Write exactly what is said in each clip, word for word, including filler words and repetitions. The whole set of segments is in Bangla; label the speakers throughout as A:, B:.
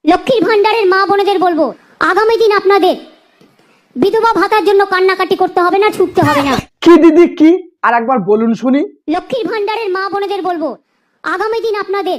A: লক্ষ্মীর ভান্ডারের মা বোনেদের বলবো, আগামী দিন আপনাদের বিধবা ভাতার জন্য কান্নাকাটি করতে হবে না, ছুটতে হবে না।
B: কি দিদি কি? আর একবার বলুন শুনি।
A: লক্ষ্মীর ভান্ডারের মা বোনেদের বলবো, আগামী দিন আপনাদের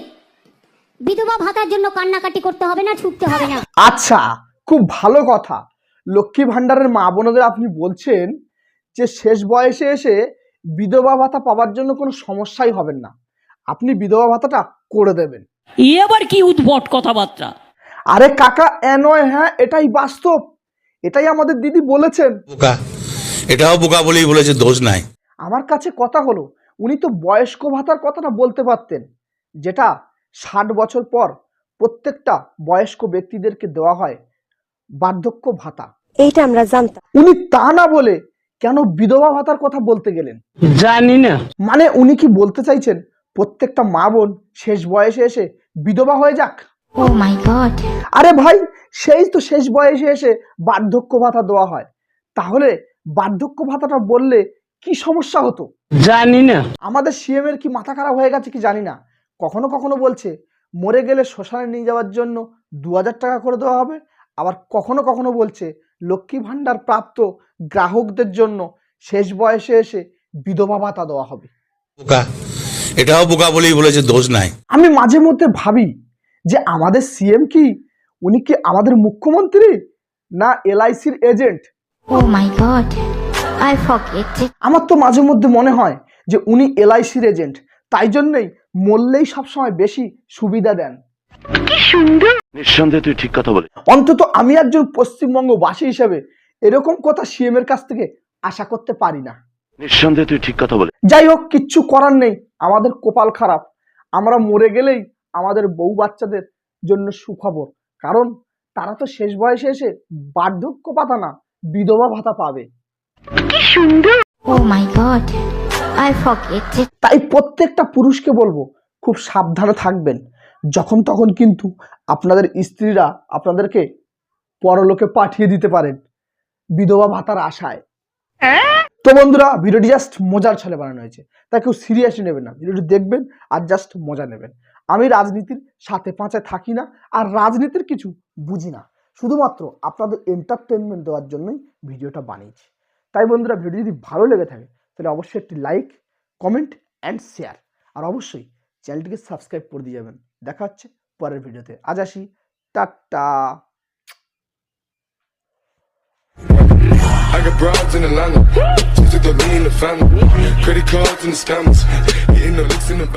A: বিধবা ভাতার জন্য কান্নাকাটি করতে হবে না, ছুটতে হবে না।
B: আচ্ছা, খুব ভালো কথা। লক্ষ্মী ভান্ডারের মা বোনদের আপনি বলছেন যে শেষ বয়সে এসে বিধবা ভাতা পাওয়ার জন্য কোনো সমস্যাই হবেন না, আপনি বিধবা ভাতাটা করে দেবেন।
C: ই আবার কি উদ্ভট কথাবার্তা?
B: আরে কাকা, এ নয় হ্যাঁ, এটাই বাস্তব, এটাই আমাদের দিদি বলেছেন।
D: বোকা, এটাও বোকা বলেই বলেছে, দোষ নাই।
B: আমার কাছে কথা হলো, উনি তো বয়স্ক ভাতার কথাটা বলতে পারতেন, যেটা ষাট বছর পর প্রত্যেকটা বয়স্ক ব্যক্তিদেরকে দেওয়া হয় বার্ধক্য ভাতা।
E: এইটা আমরা জানতাম।
B: উনি তা না বলে কেন বিধবা ভাতার কথা বলতে গেলেন?
C: জানি না।
B: মানে উনি কি বলতে চাইছেন প্রত্যেকটা মা বোন শেষ বয়সে এসে বিধবা হয়ে যাক?
A: Oh my god!
B: আরে ভাই, সেই তো শেষ বয়সে এসে বার্ধক্য ভাতা দেওয়া হয়, তাহলে বার্ধক্য ভাতাটা বললে কি সমস্যা হতো?
C: জানি না।
B: আমাদের সিএম এর কি মাথা খারাপ হয়ে গেছে কি জানি না, কখনো কখনো বলছে মরে গেলে শ্মশানে নিয়ে যাওয়ার জন্য দু হাজার টাকা করে দেওয়া হবে, আবার কখনো কখনো বলছে লক্ষ্মী ভান্ডার প্রাপ্ত গ্রাহকদের জন্য শেষ বয়সে এসে বিধবা ভাতা দেওয়া হবে।
D: বোকা, এটাও বোকা বলেই বলেছে, দোষ নাই।
B: আমি মাঝে মধ্যে ভাবি যে আমাদের সিএম কি, উনি কি আমাদের মুখ্যমন্ত্রী না এলআইসির agent?
A: Oh my god, I forget.
B: আমার তো মাঝে মধ্যে মনে হয় যে উনি এলআইসির এজেন্ট, তাই জন্যই মরলেই সবসময় বেশি সুবিধা দেন।
F: নিঃসন্দেহে তুই ঠিক কথা বলে।
B: অন্তত আমি একজন পশ্চিমবঙ্গবাসী হিসেবে এরকম কথা সিএম এর কাছ থেকে আশা করতে পারি না।
F: নিঃসন্দেহে তুই ঠিক কথা বলে।
B: যাই হোক, কিচ্ছু করার নেই, আমাদের কপাল খারাপ, আমরা মরে গেলেই আমাদের বউ বাচ্চাদের জন্য সুখবর, কারণ তারা তো শেষ বয়সে এসে বার্ধক্য ভাতা না বিধবা ভাতা পাবে।
A: Oh my god, I forget.
B: তাই প্রত্যেকটা পুরুষকে বলবো, খুব সাবধানে থাকবেন, যখন তখন কিন্তু আপনাদের স্ত্রীরা আপনাদেরকে পরলোকে পাঠিয়ে দিতে পারেন বিধবা ভাতার আশায়। তো বন্ধুরা, ভিডিওটি জাস্ট মজার ছলে বানানো হয়েছে, তাই কেউ সিরিয়াসলি নেবেন না, ভিডিওটি দেখবেন আর জাস্ট মজা নেবেন। আমি রাজনীতির সাথে পাঁচায় থাকি না, আর রাজনীতির কিছু বুঝি না, শুধুমাত্র আপনাদের এন্টারটেনমেন্ট দেওয়ার জন্যই ভিডিওটা বানিয়েছি। তাই বন্ধুরা, ভিডিও যদি ভালো লেগে থাকে তাহলে অবশ্যই একটি লাইক, কমেন্ট অ্যান্ড শেয়ার, আর অবশ্যই চ্যানেলটিকে সাবস্ক্রাইব করে দিয়ে যাবেন। দেখা হচ্ছে পরের ভিডিওতে, আজ আসি, tata.
G: I got broads in Atlanta, just took the lean in the family, credit cards and the scammers, hitting the licks in the